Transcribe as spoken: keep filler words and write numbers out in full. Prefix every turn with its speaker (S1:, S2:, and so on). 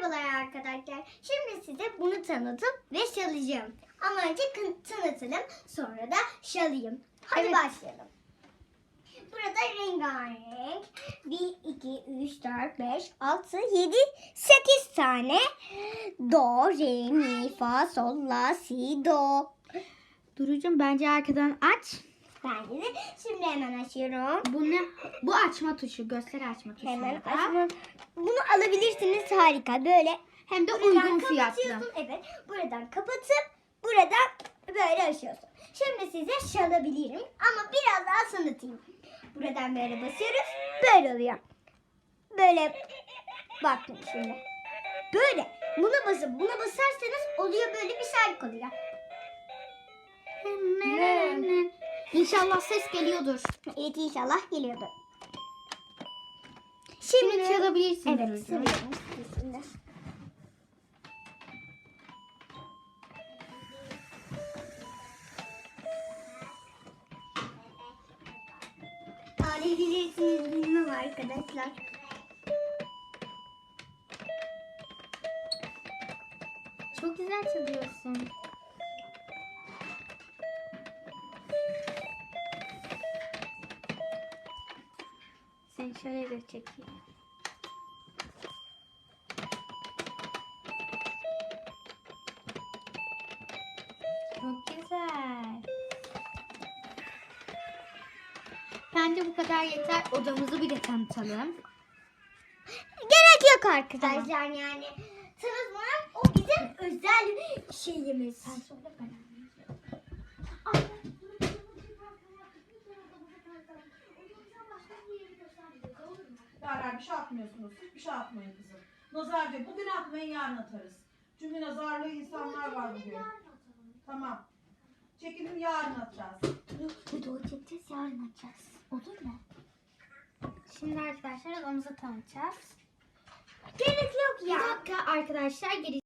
S1: Merhabalar arkadaşlar. Şimdi size bunu tanıtıp ve çalacağım. Ama önce tanıtalım, sonra da çalayım. Hadi
S2: Evet.
S1: başlayalım. Burada rengarenk bir, iki, üç, dört, beş, altı, yedi, sekiz tane do, re, mi, fa, sol, la, si, do.
S2: Durucum bence arkadan aç.
S1: Bence de şimdi hemen açıyorum.
S2: Bu ne? Bu açma tuşu. Göster açma tuşu.
S1: Hemen
S2: da.
S1: açma. Bunu alabilirsiniz, harika. Böyle
S2: Hem de
S1: buradan
S2: uygun fiyatlı.
S1: kapatıyorsun. Evet. Buradan kapatıp buradan böyle açıyorsun. Şimdi size çalabilirim ama biraz daha sanatayım. Buradan böyle basıyoruz. Böyle oluyor. Böyle bakın şimdi. Böyle. Buna basıp buna basarsanız oluyor, böyle bir şarkı oluyor.
S2: İnşallah ses geliyordur.
S1: Evet, inşallah geliyordu.
S2: Şimdi çalabilirsin
S1: Evet,
S2: Durucum.
S1: söylüyorum şimdi. Ağlayabilirsiniz, bilmem arkadaşlar.
S2: Çok güzel çalıyorsun. Seni şöyle de çekeyim. Çok güzel. Bence bu kadar yeter. Odamızı bir de tanıtalım.
S1: Gerek yok arkadaşlar, yani. Tanıtmam, o bizim özel şeyimiz.
S2: Sen söyle ben.
S3: Derler bir şey atmıyorsunuz. Hiçbir şey atmayın kızım. Nazar diyor. Bugün atmayın, yarın atarız. Çünkü nazarlı insanlar var bugün. Tamam. Çekilin, yarın atacağız.
S1: Video çekeceğiz, yarın açacağız. Olur mu?
S2: Şimdi arkadaşlar odamızı tanıtacağız.
S1: Gerek yok
S2: Bir
S1: ya.
S2: dakika arkadaşlar geri